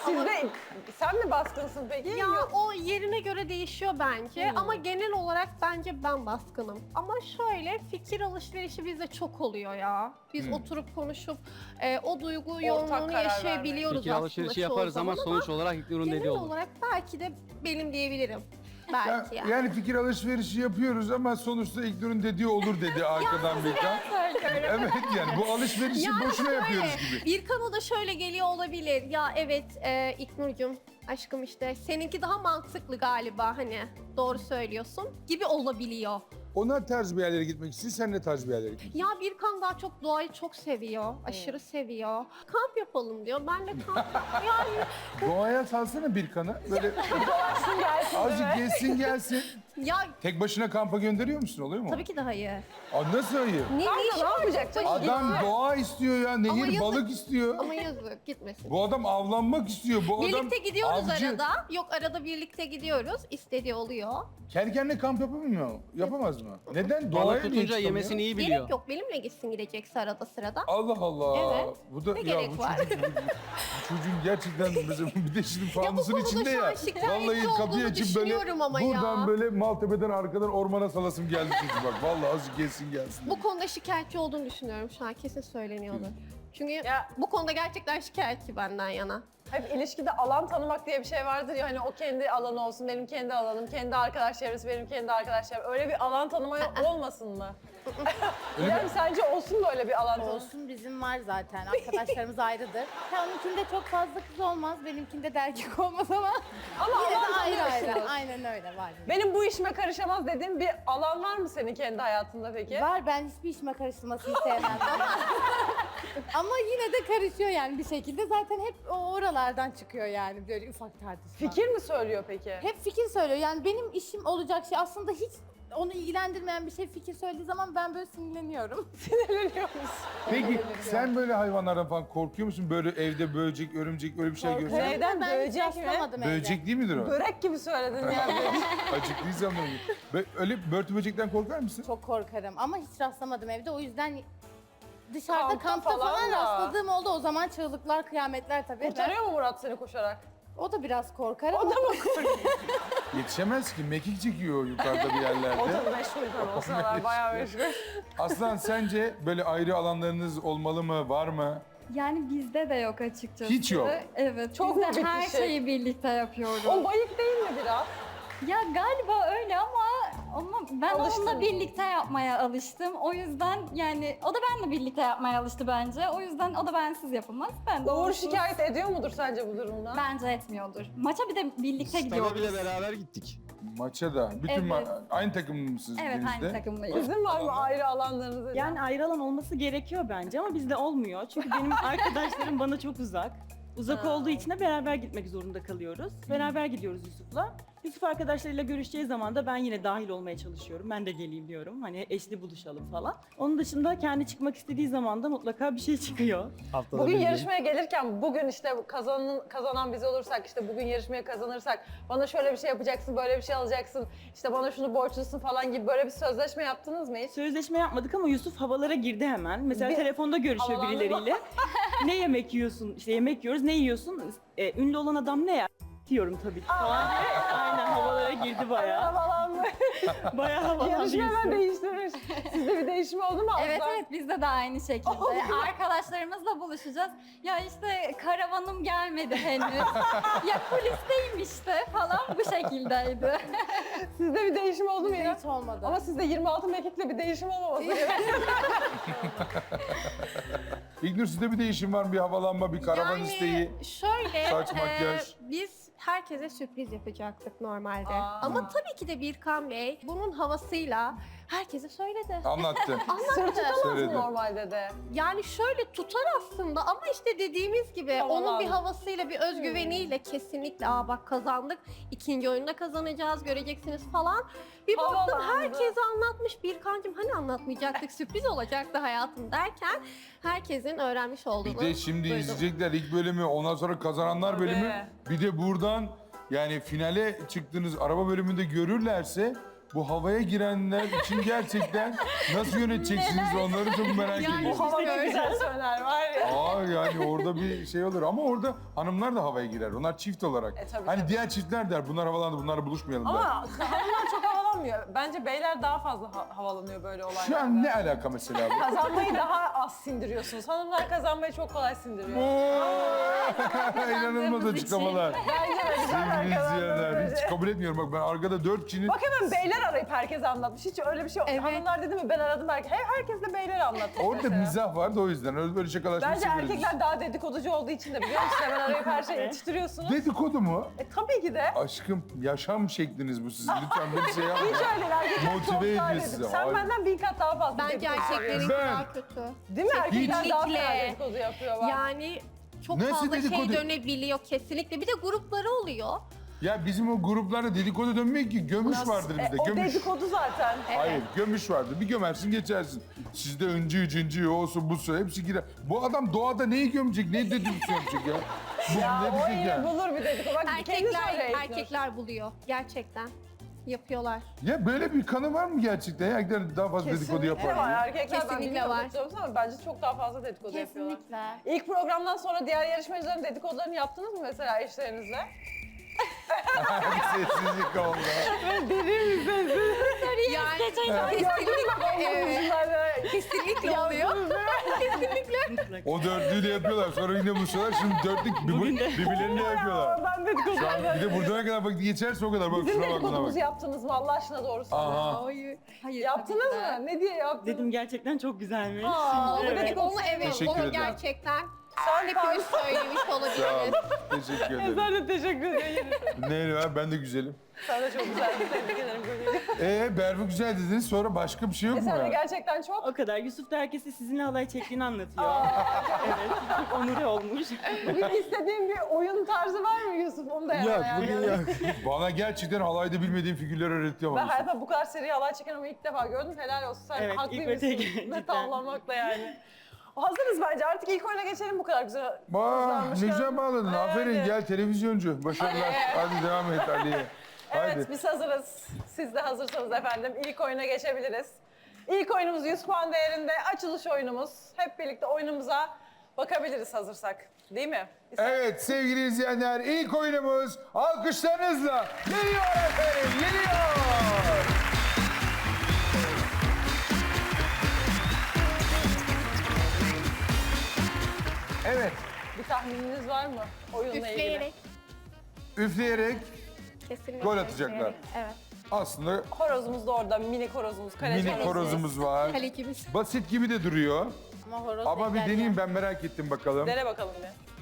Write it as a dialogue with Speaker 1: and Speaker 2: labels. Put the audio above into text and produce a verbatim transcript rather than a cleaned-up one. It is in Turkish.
Speaker 1: Sizde, sen mi baskınsın peki?
Speaker 2: Ya o yerine göre değişiyor bence
Speaker 1: Hmm.
Speaker 2: ama genel olarak bence ben baskınım. Ama şöyle fikir alışverişi bizde çok oluyor ya. Biz
Speaker 3: Hmm.
Speaker 2: oturup konuşup e, o duygu
Speaker 1: karar
Speaker 2: yoğunluğunu
Speaker 1: vermek.
Speaker 2: yaşayabiliyoruz
Speaker 4: Fikir
Speaker 2: aslında
Speaker 4: alışverişi
Speaker 2: çoğu
Speaker 4: yaparız ama
Speaker 2: zaman
Speaker 4: sonuç olarak İlknur'un dediği
Speaker 2: genel
Speaker 4: olur.
Speaker 2: olarak belki de benim diyebilirim.
Speaker 3: Ya,
Speaker 2: Belki yani.
Speaker 3: yani fikir alışverişi yapıyoruz ama sonuçta İlknur'un dediği olur dedi arkadan Birkan. Evet yani bu alışverişi
Speaker 2: Yani
Speaker 3: boşuna
Speaker 2: şöyle,
Speaker 3: yapıyoruz gibi.
Speaker 2: Birkan'a da şöyle geliyor olabilir. Ya evet e, İlknur'cum aşkım işte seninki daha mantıklı galiba hani doğru söylüyorsun gibi olabiliyor.
Speaker 3: Onlar tarz bir yerlere gitmek istiyor, sen ne tarz bir yerlere gitmek
Speaker 2: Ya Birkan daha çok doğayı çok seviyor, aşırı seviyor. Kamp yapalım diyor, ben de kamp yani
Speaker 3: Doğaya salsana Birkan'ı. Böyle
Speaker 1: Gelsin gelsin
Speaker 3: azıcık
Speaker 1: değil mi?
Speaker 3: gezsin gelsin.
Speaker 2: ya
Speaker 3: Tek başına kampa gönderiyor musun? Oluyor mu?
Speaker 2: tabii ki de hayır.
Speaker 3: Aa, nasıl hayır?
Speaker 2: Ne,
Speaker 1: Kanka
Speaker 2: ne işi
Speaker 1: ne
Speaker 2: var
Speaker 1: yapacak?
Speaker 2: tek başına?
Speaker 3: Adam doğa istiyor ya,
Speaker 2: Ama
Speaker 3: nehir
Speaker 2: yazık.
Speaker 3: balık istiyor.
Speaker 2: Ama yazık gitmesin.
Speaker 3: Bu adam avlanmak istiyor. Bu adam
Speaker 2: Birlikte gidiyoruz
Speaker 3: avcı.
Speaker 2: arada. Yok arada birlikte gidiyoruz. İstediği oluyor.
Speaker 3: Kendi kendine kamp yapamıyor mu? Yapamaz mı? Neden?
Speaker 4: Balık
Speaker 3: Doğaya niye
Speaker 4: tutunca
Speaker 3: çıkamıyor?
Speaker 4: yemesini iyi biliyor.
Speaker 2: Gerek yok benimle gitsin gidecekse arada sırada.
Speaker 3: Allah Allah.
Speaker 2: Evet.
Speaker 3: Bu da
Speaker 2: Ne
Speaker 3: ya
Speaker 2: gerek
Speaker 3: bu
Speaker 2: var?
Speaker 3: çocuk, bu, bu çocuğun gerçekten bizim bir de şimdi fanusun
Speaker 2: konuda
Speaker 3: içinde
Speaker 2: şu an
Speaker 3: ya.
Speaker 2: şikayetçi
Speaker 3: Vallahi kapıyı
Speaker 2: olduğunu
Speaker 3: açıp böyle
Speaker 2: düşünüyorum ama
Speaker 3: buradan
Speaker 2: ya.
Speaker 3: böyle Maltepe'den arkadan ormana salasım geldi çünkü bak. Vallahi azıcık gelsin gelsin.
Speaker 2: Bu konuda şikayetçi olduğunu düşünüyorum şu an kesin söyleniyordur. Çünkü
Speaker 1: Ya-
Speaker 2: bu konuda gerçekten şikayetçi benden yana.
Speaker 1: Hep ilişkide alan tanımak diye bir şey vardır ya hani o kendi alanı olsun, benim kendi alanım, kendi arkadaş çevresi, benim kendi arkadaş çevrem. Öyle bir alan tanıma olmasın mı? Yani sence olsun mu öyle bir alan tanıma?
Speaker 5: Olsun bizim var zaten. Arkadaşlarımız ayrıdır. Ha, onunkinde çok fazla kız olmaz, benimkinde de erkek olmaz ama
Speaker 1: Ama
Speaker 5: yine
Speaker 1: alan
Speaker 5: de ayrı ayrı.
Speaker 1: tanıyorsunuz.
Speaker 5: Aynen öyle var.
Speaker 1: Benim bu işime karışamaz dediğin bir alan var mı senin kendi hayatında peki?
Speaker 5: Var, ben hiçbir işime karıştırmasını sevmem ama ama yine de karışıyor yani bir şekilde. Zaten hep o oralardan çıkıyor yani böyle ufak tartışma.
Speaker 1: Fikir mi söylüyor peki?
Speaker 5: Hep fikir söylüyor. Yani benim işim olacak şey aslında hiç onu ilgilendirmeyen bir şey fikir söylediği zaman ben böyle sinirleniyorum.
Speaker 1: Sinirleniyor musun?
Speaker 3: Peki sen böyle hayvanlardan falan korkuyor musun? Böyle evde böcek, örümcek öyle bir şey
Speaker 1: Korkuyorum.
Speaker 3: görsen.
Speaker 1: Neyden?
Speaker 5: Ben hiç
Speaker 1: Böcek mi?
Speaker 5: rastlamadım evde.
Speaker 3: Böcek değil midir o?
Speaker 1: Börek gibi söyledin ya.
Speaker 3: Acıklıysam da öyle. Bö- Öyle börtü böcekten korkar mısın?
Speaker 5: Çok korkarım ama hiç rastlamadım evde. O yüzden dışarıda
Speaker 1: Kampta
Speaker 5: kampta,
Speaker 1: falan
Speaker 5: falan,
Speaker 1: da.
Speaker 5: rastladığım oldu. O zaman çığlıklar, kıyametler tabii.
Speaker 1: Kurtarıyor mu Murat seni koşarak?
Speaker 5: O da biraz korkar
Speaker 1: O
Speaker 5: ama
Speaker 1: da mı korkuyor?
Speaker 3: Yetişemez ki. Mekik çekiyor yukarıda bir yerlerde.
Speaker 1: O da meşgul tabii o sıralar bayağı meşgul.
Speaker 3: Aslan sence böyle ayrı alanlarınız olmalı mı? Var mı?
Speaker 6: Yani bizde de yok açıkçası.
Speaker 3: Hiç yok.
Speaker 6: Evet.
Speaker 1: Çok
Speaker 6: biz
Speaker 1: mu
Speaker 6: de her
Speaker 1: bitişik?
Speaker 6: şeyi birlikte yapıyoruz.
Speaker 1: O bayık değil mi biraz?
Speaker 6: Ya galiba öyle ama ama ben
Speaker 1: Alıştın
Speaker 6: onunla
Speaker 1: mı?
Speaker 6: birlikte yapmaya alıştım. O yüzden yani o da benimle birlikte yapmaya alıştı bence. O yüzden o da bensiz yapamaz. Ben de
Speaker 1: Uğur
Speaker 6: onsuz-
Speaker 1: şikayet ediyor mudur sence bu durumdan?
Speaker 6: Bence etmiyordur. Maça bir de birlikte
Speaker 4: Stana
Speaker 6: gidiyoruz.
Speaker 4: bile beraber gittik.
Speaker 3: Maça da. Bütün
Speaker 6: Evet.
Speaker 3: ma- aynı takım mısınız
Speaker 6: Evet
Speaker 3: denizde?
Speaker 6: aynı takımdayız.
Speaker 1: Sizin var mı ayrı alanlarınız?
Speaker 7: Yani ayrı alan olması gerekiyor bence ama bizde olmuyor. Çünkü benim arkadaşlarım bana çok uzak. Uzak olduğu için de beraber gitmek zorunda kalıyoruz. Beraber gidiyoruz Yusuf'la. Yusuf arkadaşlarıyla görüşeceği zaman da ben yine dahil olmaya çalışıyorum. Ben de geleyim diyorum. Hani eşli buluşalım falan. Onun dışında kendi çıkmak istediği zaman da mutlaka bir şey çıkıyor.
Speaker 4: Haftada
Speaker 1: Bugün
Speaker 4: bir gün.
Speaker 1: yarışmaya gelirken bugün işte kazanan, kazanan biz olursak işte bugün yarışmaya kazanırsak bana şöyle bir şey yapacaksın, böyle bir şey alacaksın, işte bana şunu borçlusun falan gibi böyle bir sözleşme yaptınız mı hiç?
Speaker 7: Sözleşme yapmadık ama Yusuf havalara girdi hemen. Mesela
Speaker 1: Bir-
Speaker 7: telefonda görüşüyor
Speaker 1: Havalandı mı?
Speaker 7: birileriyle. Ne yemek yiyorsun? İşte yemek yiyoruz. Ne yiyorsun? E, ünlü olan adam ne ya? Diyorum tabii ki falan. Aynen havalara girdi bayağı.
Speaker 1: Havalandı.
Speaker 7: Bayağı havalandı
Speaker 1: Yarışma hemen
Speaker 7: Yusuf.
Speaker 1: değiştirmiş. Sizde bir değişim oldu mu?
Speaker 6: Evet
Speaker 1: Aslan?
Speaker 6: evet bizde de aynı şekilde. Arkadaşlarımızla buluşacağız. Ya işte karavanım gelmedi henüz. Ya kulisteyim işte falan bu şekildeydi.
Speaker 1: Sizde bir değişim oldu mu
Speaker 5: Bizde
Speaker 1: yine?
Speaker 5: hiç olmadı.
Speaker 1: Ama sizde yirmi altı mekikle bir değişim olmaması gerekiyor.
Speaker 3: İlknur sizde bir değişim var mı? Bir havalanma, bir karavan
Speaker 2: yani
Speaker 3: isteği.
Speaker 2: şöyle
Speaker 3: saç,
Speaker 2: e,
Speaker 3: makyaj.
Speaker 2: biz herkese sürpriz yapacaktık normalde.
Speaker 1: Aa.
Speaker 2: Ama tabii ki de Birkan Bey bunun havasıyla herkese söyledi.
Speaker 3: Anlattı.
Speaker 1: Sır tutamaz mı
Speaker 3: Söyledi.
Speaker 1: normalde de?
Speaker 2: Yani şöyle tutar aslında ama işte dediğimiz gibi
Speaker 1: Havalan.
Speaker 2: onun bir havasıyla, bir özgüveniyle kesinlikle aa bak kazandık, ikinci oyunda kazanacağız, göreceksiniz falan. Bir baktım
Speaker 1: Havalandı.
Speaker 2: herkese anlatmış. Birkancığım hani anlatmayacaktık, sürpriz olacaktı hayatım derken herkesin öğrenmiş olduğunu
Speaker 3: Bir de şimdi
Speaker 2: duydum.
Speaker 3: izleyecekler ilk bölümü, ondan sonra kazananlar
Speaker 1: Tabii.
Speaker 3: bölümü. Bir de buradan yani finale çıktığınız araba bölümünde görürlerse bu havaya girenler için gerçekten nasıl yöneteceksiniz onları çok merak
Speaker 2: Yani
Speaker 3: ediyorum.
Speaker 2: bu
Speaker 1: Hava ne güzel söyler var ya.
Speaker 3: Aa yani orada bir şey olur ama orada hanımlar da havaya girer. Onlar çift olarak.
Speaker 1: E, tabii,
Speaker 3: hani
Speaker 1: tabii.
Speaker 3: diğer çiftler der bunlar havalandı bunlarla buluşmayalım der.
Speaker 1: Ama hanımlar çok havalanmıyor. Bence beyler daha fazla ha- havalanıyor böyle olaylarda.
Speaker 3: Şu an ne alaka mesela bu?
Speaker 1: Kazanmayı daha az sindiriyorsunuz. Hanımlar kazanmayı çok kolay sindiriyor.
Speaker 3: Oo! İnanılmaz açıklamalar.
Speaker 1: Bence de güzel
Speaker 3: Sevgili
Speaker 1: kazandığınız
Speaker 3: izleyenler hiç
Speaker 1: sürece.
Speaker 3: kabul etmiyorum. Bak ben arkada dört kişinin...
Speaker 1: Bak hemen beyler arayıp herkese anlatmış. Hiç öyle bir şey yok.
Speaker 2: Evet.
Speaker 1: Hanımlar dedi mi ben aradım herkes. He, herkes de beyler anlatmış.
Speaker 3: Orada
Speaker 1: mesela.
Speaker 3: mizah vardı o yüzden. Öyle böyle şakalaşmayı
Speaker 1: Bence
Speaker 3: seviyoruz.
Speaker 1: erkekler daha dedikoducu olduğu için de biliyor musun? Hemen arayıp her şeyi yetiştiriyorsunuz.
Speaker 3: Dedikodu mu?
Speaker 1: E tabii ki de.
Speaker 3: Aşkım yaşam şekliniz bu sizin. Lütfen bir şey yapmayın.
Speaker 1: Hiç öyle değil. Erkekler
Speaker 3: Motive
Speaker 1: çok daha
Speaker 3: ediyor
Speaker 1: dedik.
Speaker 3: sizi.
Speaker 1: Sen
Speaker 3: Hayır.
Speaker 1: benden bin kat daha fazla
Speaker 2: Bence
Speaker 1: dedikodu
Speaker 2: erkeklerin
Speaker 1: yapıyorsun.
Speaker 3: Ben-
Speaker 2: daha kötü.
Speaker 1: Değil mi? Erkekler daha fena
Speaker 2: Kesinlikle.
Speaker 1: dedikodu yapıyorlar.
Speaker 2: Yani çok
Speaker 3: Nasıl
Speaker 2: fazla
Speaker 3: dedikodu?
Speaker 2: şey dönebiliyor kesinlikle. Bir de grupları oluyor.
Speaker 3: Ya bizim o gruplarda dedikodu dönmüyor ki. Gömüş
Speaker 1: Nasıl?
Speaker 3: vardır
Speaker 1: E,
Speaker 3: bir de.
Speaker 1: o
Speaker 3: Gömüş.
Speaker 1: dedikodu zaten.
Speaker 3: Hayır gömüş vardır. Bir gömersin geçersin. Sizde öncü cıncı olsun busu hepsi girer. Bu adam doğada neyi gömecek? Neyi dedikodu yapacak ya? Bu
Speaker 1: Ya
Speaker 3: ne
Speaker 1: o
Speaker 3: diyecek
Speaker 1: yine
Speaker 3: ya?
Speaker 1: bulur bir dedikodu. Bak kendi
Speaker 2: Erkekler
Speaker 1: söyle İlknur.
Speaker 2: erkekler buluyor gerçekten. Yapıyorlar.
Speaker 3: Ya böyle bir kanı var mı gerçekten? Ya erkekler daha fazla dedikodu
Speaker 1: Kesinlikle
Speaker 3: yapar
Speaker 1: var.
Speaker 3: diye.
Speaker 1: Erkekler ben
Speaker 2: Kesinlikle
Speaker 1: bilmiyorum
Speaker 2: var.
Speaker 1: katılıyor musun ama bence çok daha fazla dedikodu yapıyorlar.
Speaker 5: Kesinlikle.
Speaker 1: İlk programdan sonra diğer yarışmacıların dedikodularını yaptınız mı mesela eşlerinizle?
Speaker 3: Bir sessizlik oldu.
Speaker 2: Yani kesinlikle, evet,
Speaker 1: Bunlar
Speaker 2: kesinlikle oluyor.
Speaker 7: Mutlaka.
Speaker 3: O dörtlüğü de yapıyorlar. Sonra yine buluşuyorlar. Şimdi dörtlük bir,
Speaker 7: Bugün de.
Speaker 3: birbirlerini de yapıyorlar.
Speaker 1: ben dedikodu
Speaker 3: Şu an bir de buradan ne kadar vakit geçerse o kadar. Bak
Speaker 1: Bizim
Speaker 3: şuna bak buna bak.
Speaker 1: dedikodumuzu yaptınız mı Allah aşkına doğru söyle.
Speaker 3: Aha.
Speaker 2: Hayır. Hayır.
Speaker 1: Yaptınız
Speaker 2: tabii ki de.
Speaker 1: mı? Ne diye yaptınız?
Speaker 7: Dedim gerçekten çok güzelmiş.
Speaker 1: Aa,
Speaker 2: Onu,
Speaker 7: Evet.
Speaker 2: evet. onu evet,
Speaker 3: Teşekkür
Speaker 2: onu
Speaker 3: ederim.
Speaker 2: gerçekten
Speaker 1: Sen
Speaker 2: hepimiz söylemiş
Speaker 3: Sağ ol.
Speaker 2: olabiliriz.
Speaker 3: Teşekkür ederim.
Speaker 1: Ben de teşekkür ederim.
Speaker 3: Ne var? Ben de güzelim.
Speaker 1: Sen de çok güzeldin. Tebrik ederim.
Speaker 3: Ee Berfu güzel dediniz. Sonra başka bir şey yok
Speaker 1: E
Speaker 3: mu
Speaker 1: sen de
Speaker 3: ya?
Speaker 1: gerçekten çok.
Speaker 7: O kadar. Yusuf da herkese sizinle halay çektiğini anlatıyor. Evet. Çok onuru olmuş.
Speaker 1: Bugün istediğin bir oyun tarzı var mı Yusuf? Onu da
Speaker 3: Yok
Speaker 1: yani.
Speaker 3: bugün yok. Bana gerçekten halayda bilmediğim figürler öğretiyor
Speaker 1: Ben
Speaker 3: ama.
Speaker 1: hayatımda bu kadar seri halay çeken ama ilk defa gördüm. Helal olsun. Sen
Speaker 7: Evet, ilk ve
Speaker 1: haklıymışsın.
Speaker 7: tek,
Speaker 1: Ne
Speaker 7: cidden.
Speaker 1: tavlamakla yani. Hazırız bence. Artık ilk oyuna geçelim bu kadar güzel.
Speaker 3: Vah
Speaker 1: hızlanmışken.
Speaker 3: ne güzel bağladın.
Speaker 1: Evet.
Speaker 3: Aferin gel televizyoncu. Başarılar. Hadi devam et Ali'ye.
Speaker 1: Evet
Speaker 3: Haydi.
Speaker 1: biz hazırız. Siz de hazırsanız efendim ilk oyuna geçebiliriz. İlk oyunumuz yüz puan değerinde açılış oyunumuz. Hep birlikte oyunumuza bakabiliriz hazırsak. Değil mi?
Speaker 3: Evet sevgili izleyenler ilk oyunumuz alkışlarınızla geliyor efendim geliyor. Evet
Speaker 1: Bir tahmininiz var mı oyunla ilgili?
Speaker 2: Üfleyerek.
Speaker 3: üfleyerek
Speaker 2: Kesinlikle.
Speaker 3: gol atacaklar.
Speaker 2: Evet.
Speaker 3: Aslında
Speaker 1: Horozumuz da orada, mini horozumuz, kaleci
Speaker 3: mini
Speaker 1: horozumuz.
Speaker 3: horozumuz var.
Speaker 2: Kalecimiz.
Speaker 3: Basit gibi de duruyor.
Speaker 5: Ama horoz
Speaker 3: Ama bir
Speaker 5: bekler
Speaker 3: deneyeyim
Speaker 5: ya.
Speaker 3: ben merak ettim bakalım.
Speaker 1: Dene bakalım bir.